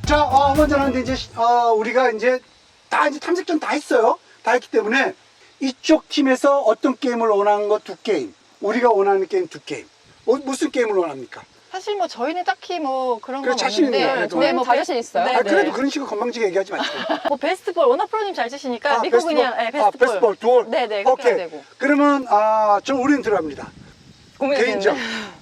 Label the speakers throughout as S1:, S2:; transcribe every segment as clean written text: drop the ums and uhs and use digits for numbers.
S1: 자, 먼저 하는데 이제 우리가 이제 탐색전 다 했어요. 다 했기 때문에 이쪽 팀에서 어떤 게임을 원하는 거 2게임, 우리가 원하는 게임 2게임. 무슨 게임을 원합니까?
S2: 사실 뭐 저희는 딱히 뭐 그런
S1: 그래,
S2: 건
S1: 자신 있는
S2: 없는데,
S1: 거예요.
S2: 뭐
S3: 다 자신 있어요?
S2: 네,
S1: 아,
S2: 네.
S1: 그래도 그런 식으로 건방지게 얘기하지 마시고.
S2: 뭐 베스트볼 워낙 프로님 잘 치시니까 믿고 그냥 베스트볼.
S1: 베스트볼 두올.
S2: 네네 그렇게
S1: 오케이.
S2: 해야 되고.
S1: 그러면 우리는 들어갑니다. 개인전.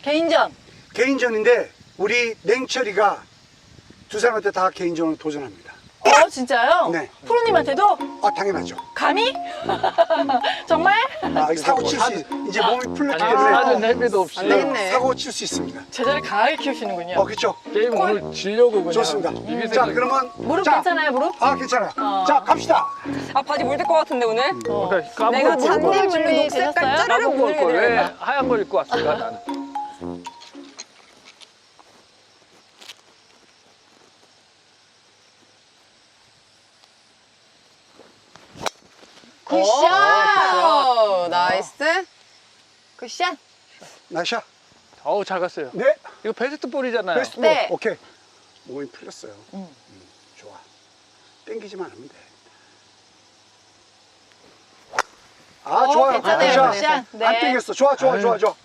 S1: 개인전인데 우리 냉철이가 두 사람한테 다 개인전으로 도전합니다.
S2: 진짜요?
S1: 네.
S2: 프로님한테도?
S1: 당연하죠.
S2: 감히? 정말?
S1: 사고 칠 수 이제 몸이 풀렸기
S4: 아니,
S1: 때문에
S4: 사전 헬비도 없이
S3: 안 되겠네.
S1: 사고 칠 수 있습니다.
S2: 제자를 강하게 키우시는군요.
S1: 그렇죠.
S4: 게임 오늘 지려고 그냥
S1: 좋습니다.
S4: 비비세요.
S1: 자, 그러면
S2: 무릎
S1: 자,
S2: 괜찮아요, 무릎?
S1: 괜찮아요. 자, 갑시다.
S3: 아 바지 물들 것 같은데 오늘?
S4: 그러니까
S3: 내가
S4: 까먹을 걸.
S3: 잔디 물로
S2: 준비
S3: 녹색깔
S2: 되셨어요?
S3: 짜르르
S4: 까먹을
S3: 물게
S4: 걸. 왜
S3: 되는
S4: 하얀 걸 입고 왔을까 나는.
S2: 굿샷!
S3: 나이스.
S2: 굿샷!
S1: 나이샤.
S4: 어우 잘 갔어요.
S1: 네.
S4: 이거 베스트 볼이잖아요.
S1: 베스트
S2: 네.
S1: 오케이. 몸이 풀렸어요. 좋아. 땡기지만 하면 돼. 좋아요.
S2: 괜찮아요.
S1: 굿샷.
S2: 굿샷.
S1: 안 땡겼어. 좋아. 좋아요.
S2: 괜찮아요.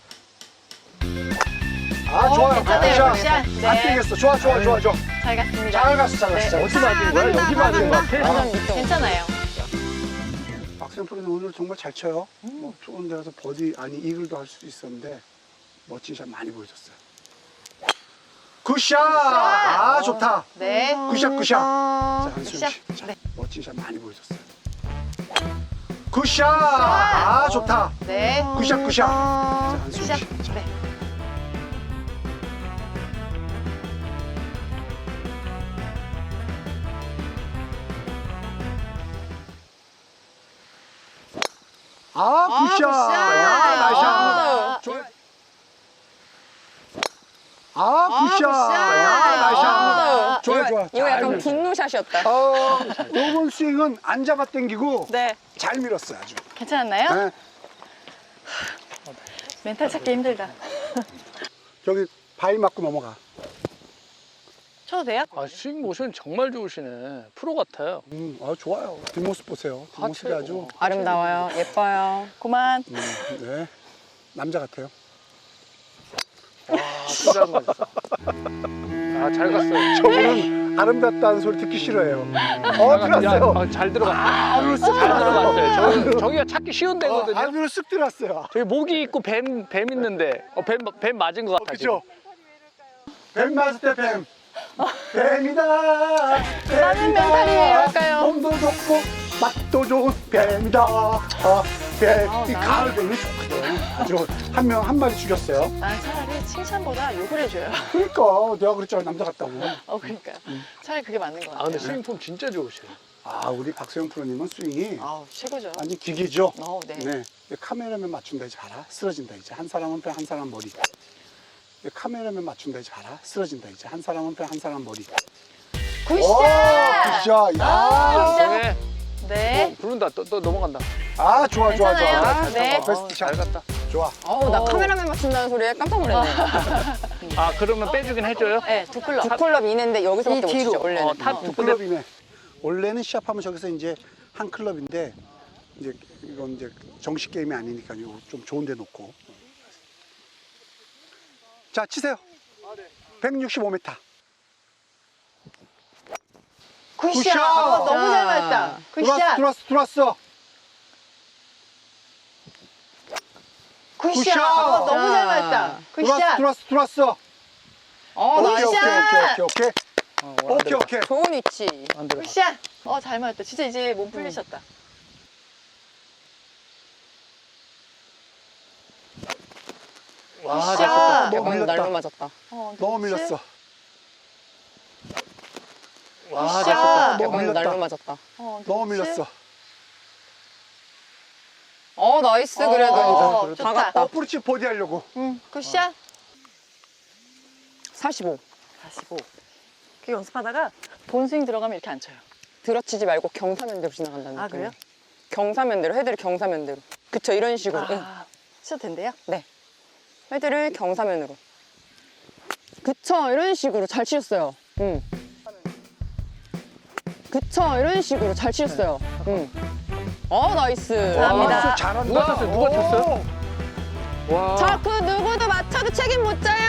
S1: 굿샷.
S2: 굿샷. 네.
S1: 안 땡겼어. 좋아.
S2: 잘 갔습니다.
S1: 잘 갔어.
S4: 어디 맞은 거야? 여기 맞은 거야? 페이스.
S2: 괜찮아요.
S1: 박수영 프로는 오늘 정말 잘 쳐요. 뭐 좋은 데 가서 버디 이글도 할 수도 있었는데 멋진 샷 많이 보여줬어요. 굿샷. 좋다.
S2: 네.
S1: 굿샷. 자, 한수영
S2: 굿샷.
S1: 씨. 자,
S2: 네.
S1: 멋진 샷 많이 보여줬어요. 굿샷. 좋다.
S2: 네.
S1: 굿샷. 자, 한수영
S2: 굿샷.
S1: 씨. 자,
S2: 네.
S1: 굿샷.
S3: 굿샷.
S1: 나이스. 좋아. 굿샷.
S3: 굿샷.
S1: 좋아.
S3: 이거 약간
S1: 잘
S3: 분노샷이었다.
S1: 이번 스윙은 안 잡아 당기고
S2: 네.
S1: 잘 밀었어요, 아주.
S2: 괜찮았나요?
S1: 네.
S2: 멘탈 찾기 힘들다.
S1: 저기 바위 맞고 넘어가.
S2: 쳐도 돼요?
S4: 스윙 모션 정말 좋으시네. 프로 같아요.
S1: 좋아요. 뒷모습 보세요. 뒷모습이 아주.
S3: 아름다워요. 예뻐요.
S2: 그만.
S1: 네. 남자 같아요.
S4: 투자한 거 있어. 잘 갔어요.
S1: 저분은 아름답다는 소리 듣기 싫어해요. 들었어요.
S4: 잘 들어갔어요.
S1: 안으로 쓱
S4: 잘
S1: 들어갔어요.
S4: 들어갔어요. 저기가 찾기 쉬운 데거든요.
S1: 안으로 쓱 들어갔어요.
S4: 저기 모기 있고 뱀 있는데 뱀 맞은 것 같아.
S1: 그죠? 뱀 맞을 때 뱀. 뱀이다.
S2: 나는 멘탈이에요, 할까요?
S1: 몸도 좋고 맛도 좋은 뱀이다. 뱀. 이 가을 뱀이 좋거든. 아주 한 마리 죽였어요.
S2: 난 차라리 칭찬보다 욕을 해줘요.
S1: 그러니까 내가 그랬잖아, 남자 같다고.
S2: 그러니까. 차라리 그게 맞는 것 같아요.
S4: 근데 스윙 폼 진짜 좋으세요.
S1: 우리 박소영 프로님은 스윙이
S2: 최고죠.
S1: 완전 기계죠.
S2: 네.
S1: 카메라맨 맞춘다 이제 봐라. 쓰러진다 이제. 한 사람은 배, 한 사람 머리. 카메라맨 맞춘다 이제 봐라. 쓰러진다 이제. 한 사람은 배, 한 사람 머리.
S2: 굿샷!
S1: 굿샷. 야.
S2: 네.
S4: 부른다. 또 넘어간다.
S1: 좋아.
S2: 괜찮아요. 네.
S1: 베스트
S4: 잘
S1: 샷.
S4: 갔다.
S1: 좋아.
S3: 나 카메라맨 맞춘다는 소리에 깜짝 놀랐네.
S4: 그러면 빼주긴 해줘요?
S2: 네, 두 클럽.
S3: 두 클럽 이는데 여기서밖에 못
S2: 뒤로.
S3: 치죠 원래는.
S4: 탑두 클럽.
S1: 클럽이네. 원래는 시합하면 저기서 이제 한 클럽인데 이제 이건 이제 정식 게임이 아니니까 좀 좋은 데 놓고. 자, 치세요. 165m.
S2: 굿샷! 너무 잘 맞았다. 굿샷!
S1: 들어왔어.
S2: 굿샷! 너무 잘 맞았다. 굿샷!
S1: 들어왔어.
S2: 굿샷!
S1: 오케이.
S3: 좋은 위치.
S4: 안 들어가.
S2: 굿샷! 잘 맞았다. 진짜 이제 몸 풀리셨다.
S4: 와,
S2: 굿샷!
S4: 됐었다.
S1: 너무
S3: 약간 날로
S1: 밀렸다.
S3: 맞았다.
S1: 너무 밀렸어.
S4: 와,
S2: 굿샷!
S4: 됐었다.
S1: 너무
S3: 약간
S1: 밀렸다.
S3: 날로 맞았다.
S1: 너무 밀렸어.
S3: 나이스 그래도.
S2: 좋다.
S3: 다 갔다.
S1: 어프로치 보디 하려고.
S2: 굿샷!
S3: 45.
S2: 45. 그 연습하다가 본스윙 들어가면 이렇게 안 쳐요.
S3: 들어치지 말고 경사면대로 지나간다는 느낌.
S2: 그래요?
S3: 경사면대로, 헤드를 경사면대로. 그쵸, 이런 식으로. 응.
S2: 쳐도 된대요?
S3: 네. 헤드를 경사면으로. 그쵸, 이런 식으로 잘 치셨어요. 응. 그쵸, 이런 식으로 잘 치셨어요. 응. 나이스.
S2: 감사합니다.
S1: 잘한다.
S4: 누가 쳤어요? 누가 쳤어요? 와.
S3: 자, 그 누구도 맞춰도 책임 못 져요.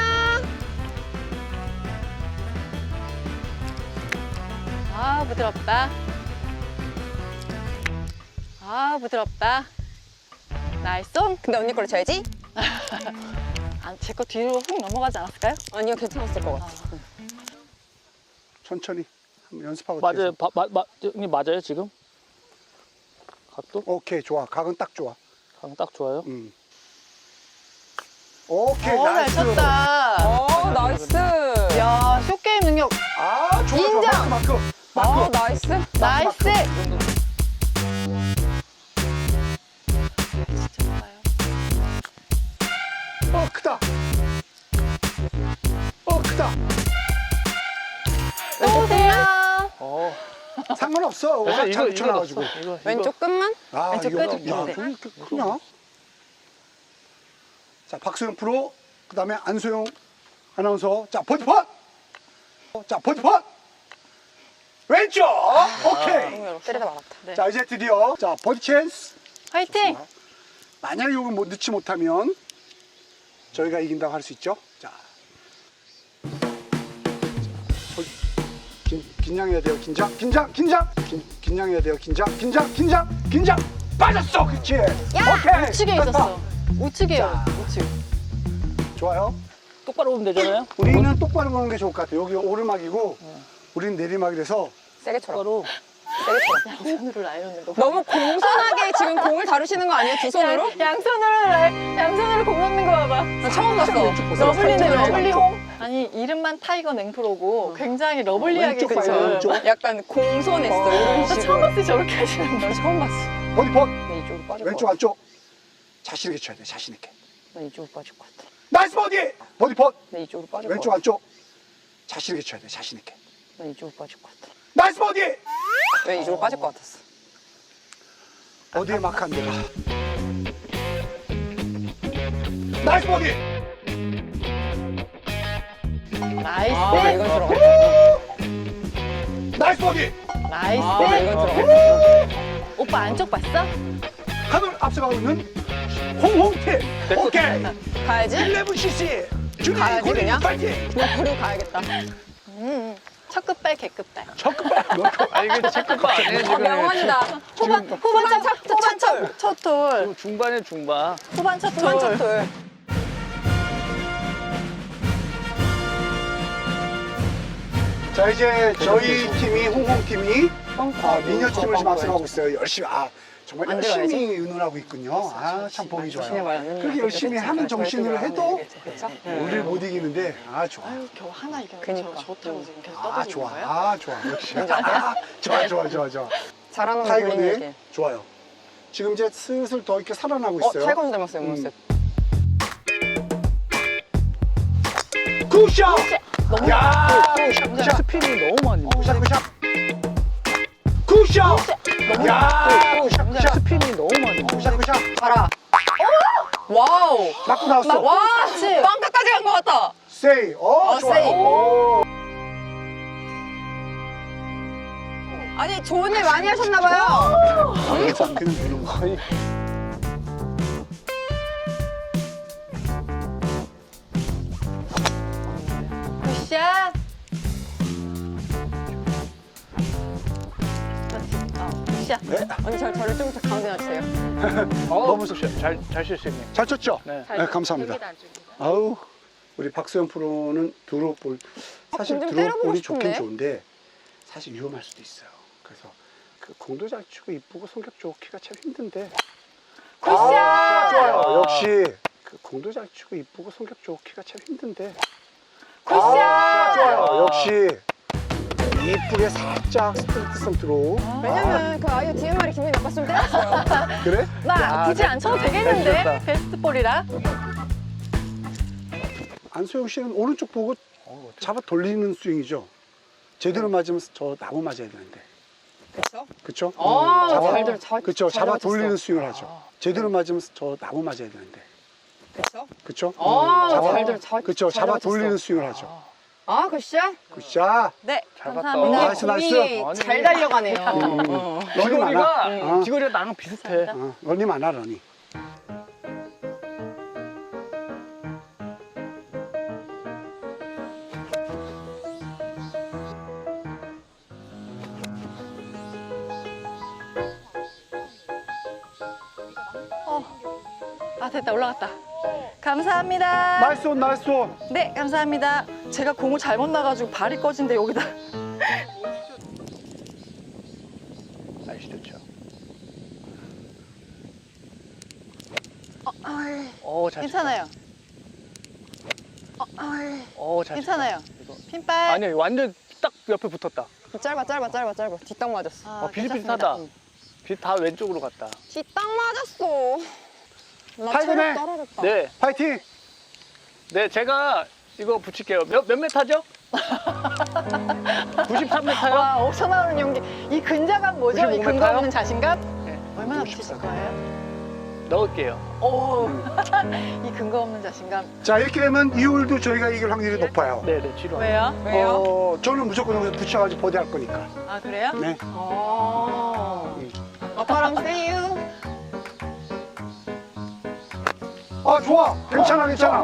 S2: 아, 부드럽다. 아, 부드럽다. 나이스 송.
S3: 근데 언니 걸로 쳐야지?
S2: 제 거 뒤로 훅 넘어가지 않았을까요?
S3: 아니요, 괜찮았을 것 같아.
S1: 천천히 한번 연습하고.
S4: 맞아요.
S1: 뒤에서.
S4: 형님 맞아요 지금? 각도?
S1: 오케이, 좋아. 각은 딱 좋아.
S4: 각 딱 좋아요.
S1: 오케이,
S2: 잘
S1: 나이스.
S2: 쳤다.
S3: 나이스.
S2: 야, 쇼게임 능력.
S1: 아, 좋아,
S2: 인정.
S1: 좋아. 마크.
S3: 나이스.
S2: 나이스.
S1: 크다. 크다.
S2: 또 오세요.
S4: 어.
S1: 상관없어.
S4: 그래서
S1: 잘 붙여놔가지고.
S4: 이거.
S3: 왼쪽 끝만?
S1: 아,
S2: 왼쪽
S1: 이거,
S2: 끝?
S1: 야,
S2: 네.
S1: 저기 이렇게 크냐? 자, 박소영 프로, 그 다음에 안소영 아나운서. 자, 버디펀! 자, 버디펀! 왼쪽! 오케이.
S3: 때리다 말았다.
S2: 네.
S1: 자, 이제 드디어, 자, 버디 찬스.
S2: 화이팅.
S1: 만약에 이걸 못 넣지 못하면 저희가 이긴다고 할 수 있죠. 자, 긴장해야 돼요. 긴장해야 돼요. 긴장. 빠졌어, 그렇지. 오케이.
S2: 우측에
S1: 됐다.
S2: 있었어. 우측이에요.
S1: 자.
S2: 우측.
S1: 좋아요.
S4: 똑바로 보면 되잖아요.
S1: 우리는 똑바로 보는 게 좋을 것 같아요. 여기 오르막이고, 우리는 내리막이라서.
S3: 세게 쳐라.
S4: 똑바로.
S2: 양손으로 라이언을 넣고.
S3: 너무 공손하게 지금 공을 다루시는 거 아니에요? 두 손으로?
S2: 양손으로 공 넣는 거 봐봐.
S3: 나 처음 봤어.
S2: 러블리네, 러블리홍. 아니, 이름만 타이거 냉프로고 굉장히 러블리하게
S1: 왼쪽 봐요, 왼쪽.
S3: 약간 공손했어. 이런
S2: 나
S3: 식으로.
S2: 처음 봤을 때 저렇게 하시는 거.
S3: 나 처음 봤어.
S1: 버디펀!
S3: 나 이쪽으로 빠질
S1: 왼쪽,
S3: 것 같아.
S1: 안쪽. 자신있게 쳐야 돼, 자신있게.
S3: 나 이쪽으로 빠질 것 같아.
S1: 나이스 버디! 버디펀!
S3: 나 이쪽으로 빠질 것
S1: 왼쪽,
S3: 같아.
S1: 안쪽. 자신있게 쳐야 돼, 자신있게.
S3: 나 이쪽으로 빠질 것 같아.
S1: 나이스 버디!
S3: 왜 이쪽으로 빠질 것 같았어?
S1: 어디에 마크한 데가? 나이스 버디!
S2: 나이스.
S3: 왜 이건 들어가?
S1: 나이스 버디!
S2: 나이스.
S3: 왜 이건 들어가?
S2: 오빠 안쪽 봤어?
S1: 하늘 앞서가고 있는 홍홍팀. 오케이.
S3: 가야지?
S1: 11cc. 준비
S3: 가야지,
S1: 고리
S3: 그냥?
S1: 파이팅.
S3: 그냥 버리고 가야겠다.
S2: 첫 끝발, 개끝발.
S1: 적금발.
S4: 아 이게 체크바 아니에요 지금.
S3: 명언이다.
S2: 후반 첫 톨.
S4: 중반에 중반.
S2: 후반 첫
S3: 두번
S2: 톨.
S3: 쳤돌.
S1: 자, 이제 저희 팀이 홍홍팀이 미녀팀을 지금 앞서가고 있어요. 열심히. 정말
S3: 안
S1: 열심히
S3: 들어가야지.
S1: 의논하고 있군요. 참 보기 좋아요.
S3: 조심히 말하는
S1: 그렇게 열심히 하는 정신으로 해도
S3: 그쵸?
S1: 우리를 못 이기는데 좋아.
S2: 겨우 하나 이겨.
S3: 그니까.
S2: 좋다고 지금 계속
S1: 좋아.
S2: 떠드는 거예요?
S1: 좋아. 역시. 좋아.
S3: 잘하는 거
S1: 타이거네.
S3: 돌리는
S1: 좋아요. 지금 이제 슬슬 더 이렇게 살아나고
S3: 게.
S1: 있어요.
S3: 타이거 좀 닮았어요, 모습.
S1: 굿샷! 야! 굿샷!
S4: 스피닝이 너무 많이.
S1: 굿샷! 굿샷! 야! 굿샷!
S4: 스피닝이 너무 많이.
S1: 굿샷!
S3: 봐라. 와우.
S1: 맞고 나왔어.
S3: 와, 빵까지 간 것 같다.
S1: 세이. 좋아요.
S3: 세이.
S1: 오.
S3: 아니, 좋은 일 많이 하셨나봐요.
S1: 그냥 되는 거.
S2: 굿샷. 굿샷.
S1: 네.
S3: 언니, 저를 좀 더 가운데 놔주세요.
S1: 너무 좋죠.
S4: 잘 실수했네.
S1: 잘 쳤죠?
S4: 네.
S1: 네, 감사합니다. 아우, 우리 박소영 프로는 드롭볼. 사실
S3: 좀
S1: 드롭볼이
S3: 때려보고
S1: 좋긴
S3: 싶은데?
S1: 좋은데 사실 위험할 수도 있어요. 그래서 그 공도 잘 치고 이쁘고 성격 좋기가 참 힘든데.
S2: 굿샷.
S1: 좋아요. 역시 그 공도 잘 치고 이쁘고 성격 좋기가 참 힘든데.
S2: 굿샷.
S1: 좋아요. 역시 이쁘게 살짝 스트레이트성 들어.
S3: 왜냐면 그 아이유 DMR이 기분이 나빴으면 때렸어요.
S1: 그래?
S2: 나 굳이 안 쳐도 되겠는데?
S4: 잘 쳤다.
S2: 베스트 볼이라.
S1: 안소영 씨는 오른쪽 보고 잡아 돌리는 스윙이죠. 제대로 맞으면 저 나무 맞아야 되는데.
S3: 그쵸?
S1: 그쵸?
S3: 잘
S1: 그쵸?
S3: 잘
S1: 잡아
S3: 맞았어.
S1: 돌리는 스윙을 하죠. 제대로 맞으면 저 나무 맞아야 되는데.
S3: 그쵸?
S1: 그쵸?
S3: 잘
S1: 그쵸?
S3: 잘
S1: 잡아
S3: 맞았어.
S1: 돌리는 스윙을 하죠.
S3: 아, 굿샷?
S1: 굿샷.
S2: 네,
S4: 잘 봤다.
S2: 감사합니다.
S1: 나이스, 나이스.
S3: 공이
S4: 아니.
S3: 잘 달려가네요.
S1: 런이 많아.
S4: 귀걸이가 귀걸이가 나랑 비슷해.
S1: 런이 많아, 런이.
S2: 아, 됐다. 올라갔다. 감사합니다.
S1: 나이스 온, 나이스 온.
S2: 네, 감사합니다. 제가 공을 잘못 나가지고 발이 꺼진데 여기다.
S4: 날씨 좋죠. 잘
S2: 괜찮아요.
S4: 쳤다. 잘
S2: 괜찮아요.
S4: 쳤다. 이거.
S2: 핀발.
S4: 아니 완전 딱 옆에 붙었다.
S3: 짧아. 뒷땅 맞았어.
S2: 아,
S4: 비슷비슷하다.
S2: 괜찮습니다.
S4: 빛 다 왼쪽으로 갔다.
S3: 뒷땅 맞았어. 나
S1: 타이거네.
S3: 체력 떨어졌다.
S4: 네,
S1: 파이팅.
S4: 네 제가 이거 붙일게요. 몇 메타죠? 93m요?
S2: 와, 옥쳐 나오는 용기. 이 근자감 뭐죠? 이
S4: 95m
S2: 근거
S4: 요?
S2: 없는 자신감?
S4: 네,
S2: 얼마나 붙이실 거예요?
S4: 넣을게요.
S2: 오, 이 근거 없는 자신감.
S1: 자, 이렇게 되면 이 홀도 저희가 이길 확률이 높아요.
S4: 네네, 뒤로.
S2: 왜요?
S3: 왜요?
S1: 저는 무조건 여기서 붙여가지고 버디 할 거니까.
S2: 아, 그래요?
S1: 네.
S3: 아빠랑 세유.
S1: 아, 좋아. 괜찮아, 괜찮아.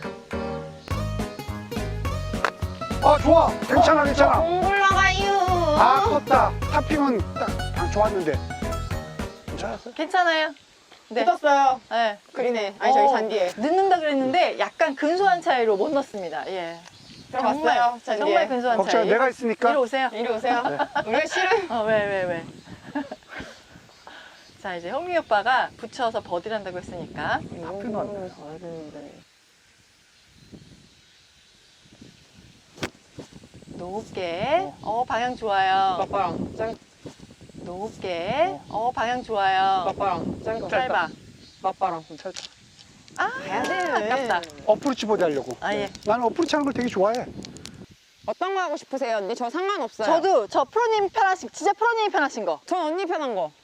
S1: 아, 좋아. 괜찮아, 괜찮아.
S3: 공 굴러가요.
S1: 아, 컸다. 타핑은 딱 좋았는데.
S2: 괜찮아요. 네.
S3: 붙었어요.
S2: 네.
S3: 그리네. 아니, 저기 잔디에.
S2: 늦는다 그랬는데 약간 근소한 차이로 못 넣습니다. 예.
S3: 들어갔어요, 잔디에.
S2: 정말 근소한
S1: 걱정,
S2: 차이.
S1: 내가 있으니까.
S2: 이리 오세요.
S3: 이리 오세요. 우리가 싫어요.
S2: 왜. 자, 이제 형미 오빠가 붙여서 버디를 한다고 했으니까. 높게. 방향 좋아요.
S3: 아빠랑 짧.
S2: 높게. 방향 좋아요.
S3: 아빠랑
S2: 짧아.
S3: 아빠랑.
S2: 아,
S3: 가야 돼.
S2: 아깝다.
S1: 어프로치 버디 하려고.
S2: 아, 예.
S1: 나는 어프로치 하는 걸 되게 좋아해.
S3: 어떤 거 하고 싶으세요, 언니? 저 상관없어요.
S2: 저도 저 프로님 편하신, 진짜 프로님이 편하신 거.
S3: 전 언니 편한 거.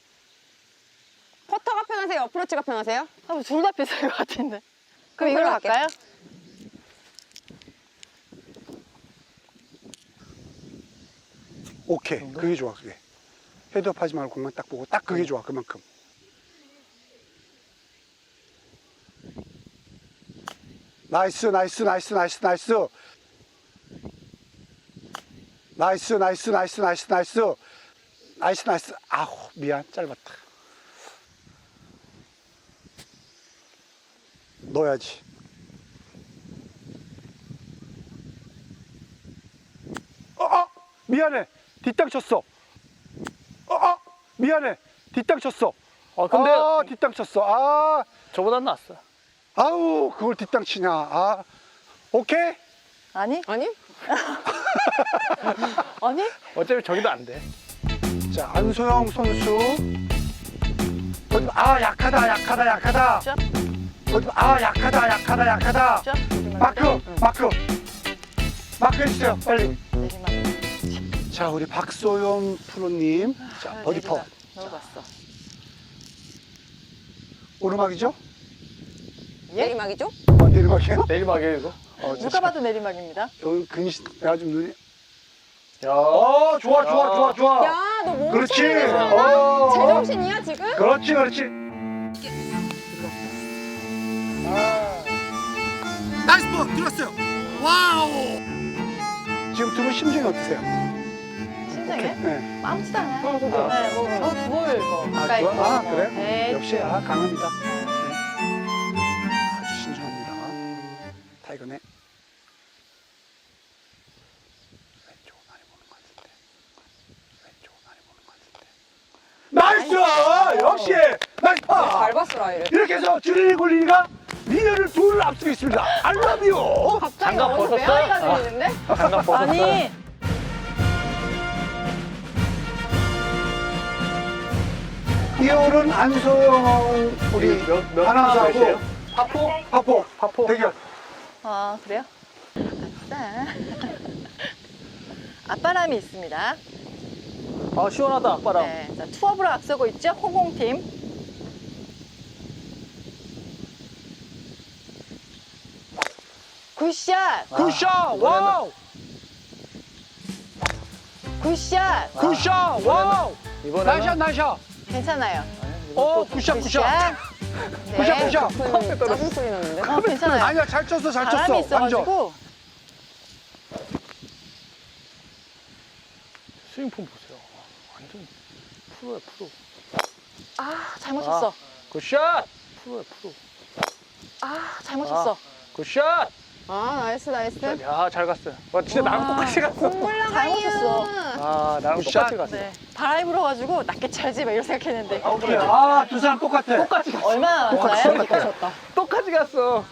S3: 퍼터가 편하세요? 어프로치가 편하세요?
S2: 둘 다 비쌀 것 같은데. 그럼 이걸로
S3: 할게.
S2: 갈까요?
S1: 오케이. 그게 좋아, 그게. 헤드업 하지 말고 공만 딱 보고 딱 그게 좋아, 그만큼. 나이스. 아우, 미안. 짧았다. 넣어야지. 미안해. 뒷땅 쳤어. 미안해. 뒷땅 쳤어.
S4: 근데
S1: 뒷땅 쳤어.
S4: 저보단 낫어.
S1: 아우, 그걸 뒷땅 치냐. 오케이?
S2: 아니?
S3: 아니?
S2: 아니?
S4: 어차피 저기도 안 돼.
S1: 자, 안소영 선수. 약하다.
S2: 쫙.
S1: 약하다.
S2: 쫙.
S1: 마크 해주세요, 빨리.
S2: 내리막.
S1: 자, 우리 박소영 프로님. 자, 버디 퍼.
S2: 넣어봤어.
S1: 오르막이죠?
S3: 내리막이죠?
S1: 내리막이에요?
S4: 내리막이에요 이거.
S2: 누가 봐도 내리막입니다.
S1: 여기 근신, 내가 좀 눈이.
S4: 야.
S1: 좋아.
S3: 야, 너 몸
S1: 그렇지.
S3: 제정신이야, 지금?
S1: 그렇지. 나이스 볼 들었어요. 와우. 지금 두 분 심정이 어떠세요?
S2: 심장에?
S1: 네.
S2: 아무렇지도 않아요.
S3: 저도요.
S2: 네, 뭐 가까이
S1: 좋아?
S2: 있고, 뭐.
S1: 그래?
S2: 네,
S1: 역시 강합니다. 네. 아주 신중합니다. 타이거네. 왼쪽은 많이 보는 것 같은데. 나이스! 역시 나이스 파!
S3: 잘 봤어, 라이를.
S1: 이렇게 해서 주린이 굴리니가 미녀를 둘을 앞서고 있습니다. I love you!
S3: 갑자기
S4: 장갑
S3: 어디서
S4: 벗었어?
S3: 메아리가 들리는데?
S4: 장갑 벗었어.
S2: 아니,
S1: 이 홀은 안소영 우리
S4: 몇
S1: 아나운서하고
S4: 몇이에요? 파포?
S1: 파포 대결.
S2: 아, 그래요? 아싸. 앞바람이 있습니다.
S4: 시원하다 아빠랑.
S2: 네, 자, 투업으로 앞서고 있죠? 홍콩팀. 굿샷.
S4: 굿샷. 와우.
S2: 굿샷.
S4: 굿샷. 와우. 나이샷 나이샷.
S2: 괜찮아요.
S4: 오 굿샷 굿샷.
S2: 네.
S4: 굿샷 굿샷.
S3: 짜증 소리 났는데?
S2: 괜찮아요.
S1: 아니야, 잘 쳤어, 잘 쳤어.
S2: 바람이
S1: 완전.
S2: 있어가지고.
S4: 스윙폼 보세요. 완전 프로야 프로.
S2: 잘못 쳤어.
S4: 굿샷. 프로야 프로.
S2: 잘못 쳤어.
S4: 굿샷.
S3: 아, 나이스, 나이스.
S4: 야, 잘 갔어요. 와, 진짜 나랑 똑같이 갔어.
S2: 잘못 쳤어.
S4: 아, 나랑
S1: 굿샷.
S4: 똑같이 갔어.
S2: 네. 바람이 불어가지고 낮게 찰지 막 이런 생각했는데.
S1: 오케이. 아, 두 사람 똑같아.
S4: 똑같이 갔어.
S2: 얼마나 많나요?
S1: 똑같아.
S4: 똑같이 갔어.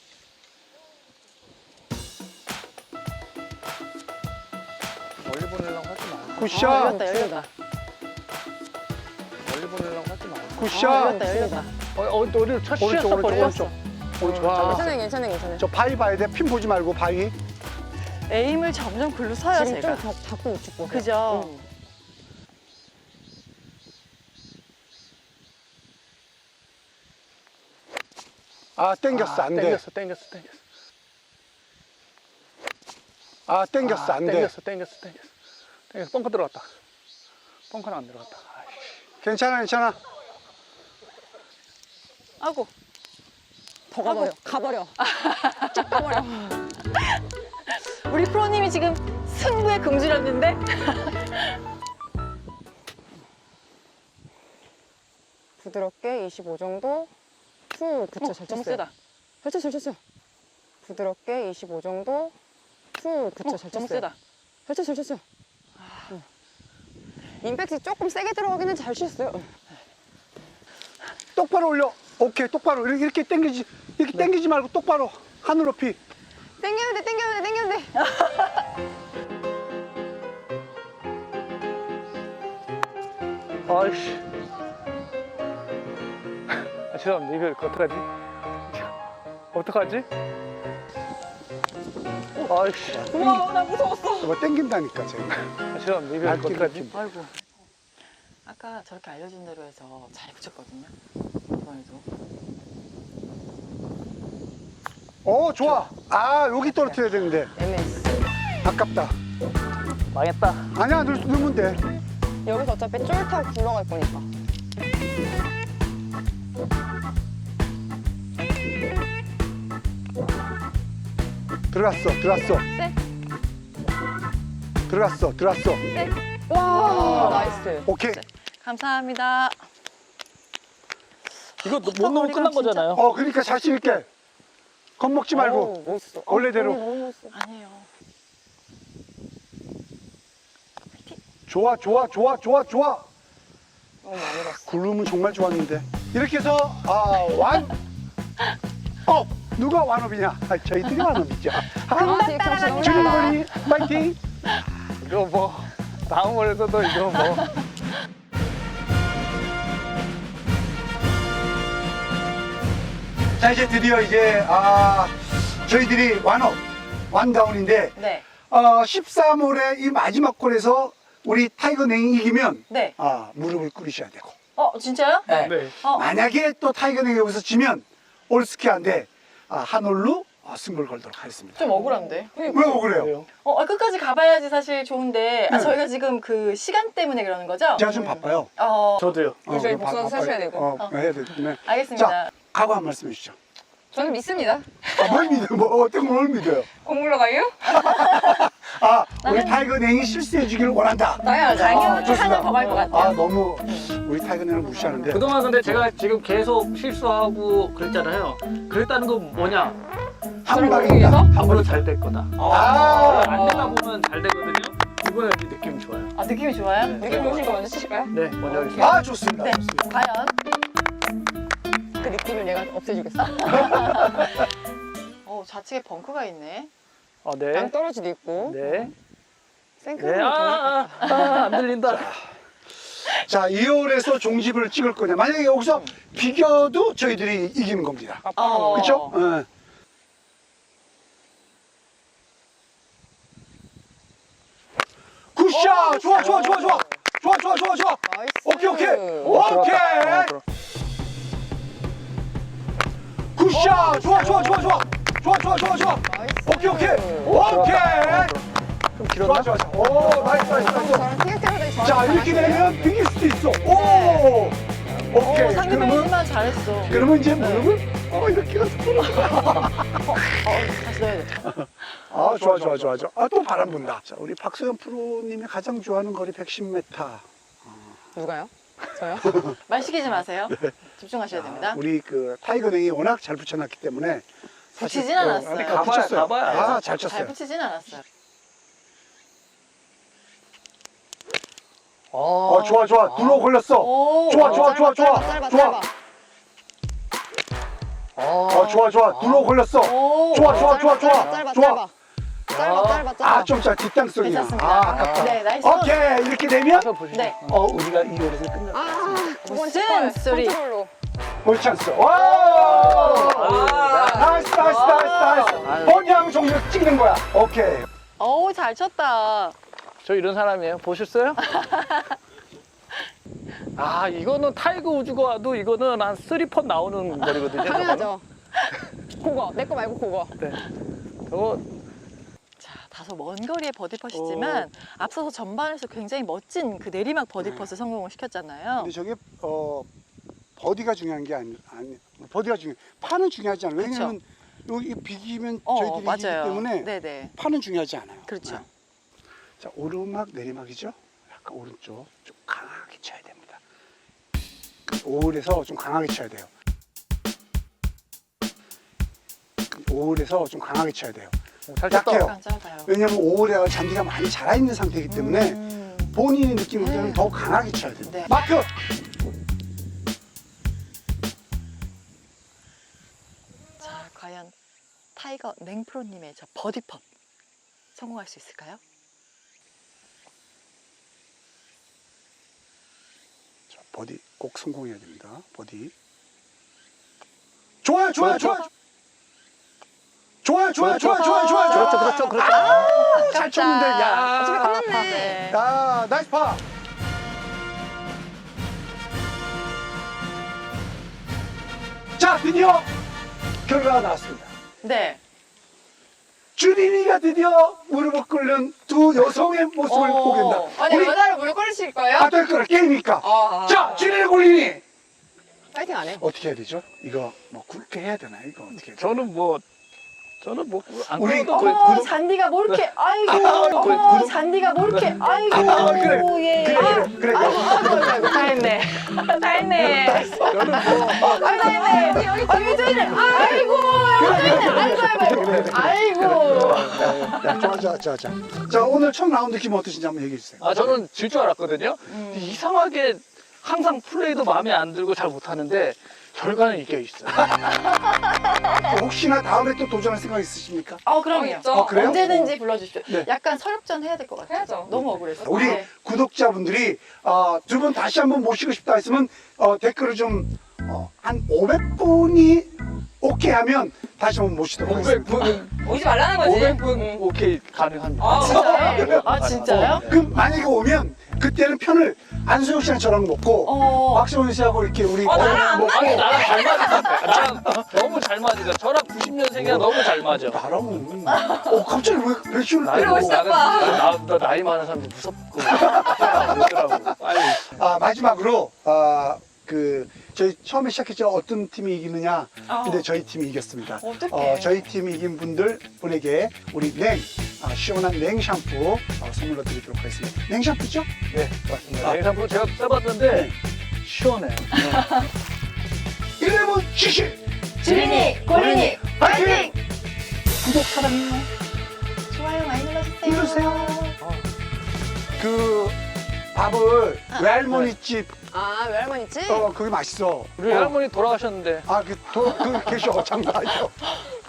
S4: 멀리 보내려고 하지 마.
S1: 굿샷.
S2: 열렸다, 열렸다.
S4: 멀리 보내려고 하지 마.
S1: 굿샷.
S2: 열렸다, 열렸다.
S4: 우리 첫
S1: 오른쪽,
S4: 시였어,
S1: 오른쪽,
S4: 벌써.
S1: 오른쪽.
S4: 좋아.
S3: 괜찮아요, 괜찮아요, 괜찮아요.
S1: 저 바위 봐야 돼. 핀 보지 말고 바위.
S2: 에임을 점점 글로 서요,
S3: 지금
S2: 제가.
S3: 좀 자꾸 우측 보세요.
S2: 그죠?
S1: 아, 땡겼어. 안 돼.
S4: 땡겼어.
S1: 아, 땡겼어. 안 돼.
S4: 땡겼어. 벙커 들어갔다. 벙커는 안 들어갔다. 아이씨.
S1: 괜찮아, 괜찮아.
S2: 아이고.
S3: 더 가버려, 가버려. 쫙 가버려.
S2: 우리 프로님이 지금 승부에 금주렸는데?
S3: 부드럽게 25 정도. 후, 그쵸, 잘
S2: 너무
S3: 쳤어요.
S2: 세다.
S3: 잘 쳤어요, 잘 쳤어요. 부드럽게 25 정도. 후, 그쵸, 잘
S2: 너무
S3: 쳤어요.
S2: 세다.
S3: 잘 쳤어요, 잘 쳤어요. 임팩트 조금 세게 들어가긴 했는데 잘 치셨어요.
S1: 똑바로 올려. 오케이, 똑바로. 이렇게 땡기지. 이렇게 땡기지 말고 똑바로. 하늘 높이.
S3: 땡겼는데, 땡겼는데, 땡겼는데.
S4: 아이씨. 아, 죄송합니다. 이거 어떡하지? 어떡하지? 아이씨.
S2: 우와, 나 무서웠어.
S1: 이거 땡긴다니까, 제가.
S4: 아, 죄송합니다. 이거
S1: 날뛰기
S4: 어떡하지?
S1: 좀.
S2: 아이고. 아까 저렇게 알려준 대로 해서 잘 붙였거든요. 이번에도.
S1: 좋아. 아, 여기 떨어뜨려야 되는데.
S3: MS.
S1: 아깝다.
S4: 망했다.
S1: 아니야, 넣으면 돼.
S3: 여기서 어차피 쫄타고 굴러갈 거니까.
S1: 들어갔어, 들어갔어.
S2: 네.
S1: 들어갔어, 들어갔어.
S3: 와, 나이스.
S1: 오케이.
S2: 감사합니다.
S4: 이거 못 넣으면 끝난 거잖아요.
S1: 그러니까 자신 있게. 겁먹지 말고.
S3: 어우, 멋있어.
S1: 원래대로.
S3: 너무 멋있어.
S2: 아니에요.
S1: 좋아, 좋아, 좋아, 좋아, 좋아.
S3: 너무 많이 갔어.
S1: 굴름은 정말 좋았는데. 이렇게 해서, 누가 완업이냐? 저희들이 완업이죠.
S3: 금방 따라갑니다.
S1: 주린거리 파이팅!
S4: 이거 뭐, 다음 월에서도 이거 뭐.
S1: 자, 이제 드디어 저희들이 완다운인데,
S2: 네.
S1: 13홀의 이 마지막 홀에서 우리 타이거 냉이 이기면,
S2: 네.
S1: 무릎을 꿇으셔야 되고.
S2: 진짜요?
S1: 네.
S4: 네.
S1: 만약에 또 타이거 냉이 여기서 지면, 올스키한데, 한 홀로 승부를 걸도록 하겠습니다.
S2: 좀 억울한데.
S1: 왜 억울해요?
S4: 그래요?
S2: 끝까지 가봐야지 사실 좋은데. 저희가 지금 그 시간 때문에 그러는 거죠?
S1: 제가 좀 바빠요.
S4: 저도요.
S3: 저희 복수도 사셔야 되고.
S1: 해야 되기 때문에.
S2: 알겠습니다.
S1: 자, 각오 한 말씀 해주시죠.
S3: 저는 믿습니다.
S1: 뭘 믿어요? 어떤 걸 믿어요?
S3: 공물러 가요?
S1: 우리 타이거 냉이 실수해 주기를 원한다.
S3: 당연하죠.
S2: 당연히
S1: 좋습니다.
S2: 한더갈 것 같아요.
S1: 너무 우리 타이거 냉을 무시하는데.
S5: 그동안 근데 제가 지금 계속 실수하고 그랬잖아요. 그랬다는 건 뭐냐?
S1: 한 방입니다.
S5: 앞으로 잘 될 거다. 안 되다 보면 잘 되거든요. 이번에 느낌 좋아요.
S2: 느낌이 좋아요?
S3: 느낌 좋으신 거 먼저 치실까요?
S5: 네, 먼저 하겠습니다.
S1: 좋습니다.
S2: 네.
S1: 좋습니다.
S2: 과연?
S3: 그 느낌을 내가 없애주겠어.
S2: 좌측에 벙커가 있네.
S4: 네.
S3: 땅 떨어지도 있고.
S4: 네.
S3: 생크림.
S4: 네. 안 들린다.
S1: 자, 2홀에서 종집을 찍을 거냐. 만약에 여기서 비겨도 저희들이 이기는 겁니다. 그렇죠? 굿샷! 좋아, 좋아, 좋아, 좋아. 좋아, 좋아, 좋아, 좋아.
S3: 나이스.
S1: 오케이, 오케이.
S4: 들어갔다.
S1: 오케이. 굿샷! 좋아, 좋아, 좋아, 좋아. 좋아.
S3: 나이스.
S1: 오케이.
S4: 좀 길었나?
S1: 좋아. 오, 나이스.
S3: 저랑 티격태격이
S1: 자, 이렇게 되면 비길 수도 있어. 오!
S2: 네.
S1: 오케이.
S2: 상대방이
S1: 그러면,
S2: 힘만 잘했어.
S1: 그러면 이제 무릎을, 이렇게 가서.
S2: 다시 넣어야 돼.
S1: 아, 좋아. 아, 또 바람 분다. 자, 우리 박소연 프로님이 가장 좋아하는 거리 110m.
S3: 누가요? 저요?
S2: 말 시키지 마세요. 집중하셔야 됩니다.
S1: 아, 우리 그 타이거냉이 워낙 잘 붙여놨기 때문에.
S2: 붙이진 않았어요.
S1: 근데
S5: 가봐야-
S1: 붙였어요.
S5: 가봐야
S1: 아, 잘
S2: 잘
S1: 쳤어요.
S2: 붙이진 않았어요.
S1: 좋아. 들어 걸렸어.
S2: 오,
S1: 좋아.
S3: 짧아.
S1: 좋아. 들어 걸렸어.
S2: 오,
S1: 좋아.
S3: 짧아.
S1: 아, 좀 뒷땅성이야.
S2: 괜찮습니다.
S1: 아, 아깝다.
S2: 네, 나이스.
S1: 오케이. 이렇게 되면
S4: 가서 보시죠.
S2: 네.
S1: 우리가 이 요리를 끝냈어.
S2: 무슨 소리?
S3: 컨트롤로.
S1: 볼 찬스. 와!
S5: 아유,
S1: 나이스. 번양 종류 찍는 거야. 오케이.
S2: 어우, 잘 쳤다.
S4: 저 이런 사람이에요. 보셨어요? 아, 이거는 타이거 우즈가 와도 이거는 한 3펀 나오는 거리거든요.
S3: 당연하죠. 그거 내 거 말고 그거.
S4: 네. 저거
S2: 자, 다소 먼 거리의 버디 펫이지만 앞서서 전반에서 굉장히 멋진 그 내리막 버디 펫을 성공을 시켰잖아요.
S1: 근데 저게 버디가 중요한 게 아니 버디가 중요. 파는 중요하지 않아요. 왜냐면 여기 비기면 저희들이 이기기
S2: 맞아요.
S1: 때문에
S2: 네네.
S1: 파는 중요하지 않아요.
S2: 그렇죠.
S1: 네. 자, 오르막 내리막이죠. 약간 오른쪽 좀 강하게 쳐야 됩니다. 오울에서 좀 강하게 쳐야 돼요. 오울에서 좀 강하게 쳐야 돼요.
S4: 잘 쳤다.
S1: 약해요.
S2: 약간 짧아요.
S1: 왜냐면 오울에 잔디가 많이 자라 있는 상태이기 때문에 본인의 느낌보다는
S2: 네.
S1: 더 강하게 쳐야 됩니다.
S2: 네.
S1: 마크.
S2: 자, 과연 타이거 냉프로님의 저 버디 펫 성공할 수 있을까요?
S1: 자, 버디 꼭 성공해야 됩니다. 버디. 좋아요.
S4: 그렇죠,
S1: 잘 쳤는데, 야.
S3: 어차피 끝났네.
S2: 네.
S1: 야, 나이스 파. 자, 드디어 결과가 나왔습니다.
S2: 네.
S1: 주린이가 드디어 무릎을 꿇는 두 여성의 모습을 보게 된다.
S3: 아니
S1: 우리
S3: 여자를 물 끓이실 거예요?
S1: 될 거라 게임이니까. 자, 주린이 굴리니
S3: 파이팅 안 해.
S1: 어떻게 해야 되죠? 이거 뭐 굵게 해야 되나? 이거 어떻게 해야 되나?
S4: 저는 뭐 안
S1: 우리
S4: 그래도
S2: 어머, 잔디가 뭐 이렇게, 아이고, 어머, 잔디가 뭐 이렇게, 아이고, 예.
S1: 그래.
S2: 아이고, 다 했네. 다 했네. 아이고, 다 했네. 아이고, 저 이래. 아이고, 아이고.
S1: 야, 좋아. 자, 오늘 첫 라운드 기분 어떠신지 한번 얘기해 주세요.
S4: 아, 저는 질 줄 알았거든요. 이상하게 항상 플레이도 마음에 안 들고 잘 못하는데 결과는 이겨 있어요.
S1: 혹시나 다음에 또 도전할 생각 있으십니까?
S2: 그럼요.
S3: 있죠.
S1: 그래요?
S2: 언제든지 불러주십시오.
S1: 네.
S2: 약간 서력전 해야 될 것 같아요.
S3: 해야죠.
S2: 너무 억울해서.
S1: 우리
S2: 네.
S1: 구독자분들이 두 분 다시 한번 모시고 싶다 했으면 댓글을 좀 한 500분이 오케이 하면 다시 한번 모시도록 하겠습니다.
S4: 500분,
S3: 오지 말라는 거지.
S4: 500분 오케이 가능합니다.
S2: 진짜요? 아, 진짜요?
S1: 그럼 만약에 오면 그때는 편을 안수영 씨랑 저랑 먹고 박시원 씨하고 이렇게 우리
S3: 나랑 안
S1: 먹고
S4: 아니, 나랑 잘 맞을 것 같아. 나랑 너무 잘 맞으니까. 저랑 90년생이랑 너무 잘 맞아.
S1: 나랑은 갑자기 왜 백신을
S4: 나는
S1: 때리고
S4: 나 나이 많은 사람들 무섭고 그러더라고. 빨리.
S1: 마지막으로 저희 처음에 시작했죠. 어떤 팀이 이기느냐. 근데 저희 팀이 이겼습니다.
S2: 어떡해.
S1: 저희 팀이 이긴 분들에게 우리 시원한 냉 샴푸 선물로 드리도록 하겠습니다. 냉 샴푸죠?
S4: 네, 맞습니다. 냉장고 제가 써봤는데 시원해요.
S1: 11 시시
S2: 주린이, 고린이,
S1: 파이팅! 구독 사랑해요.
S2: 좋아요 많이 눌러주세요.
S1: 눌러주세요. 그 밥을 외할머니 집
S3: 외할머니 집?
S1: 그게 맛있어.
S4: 우리 할머니 돌아가셨는데
S1: 계셔 장사하죠.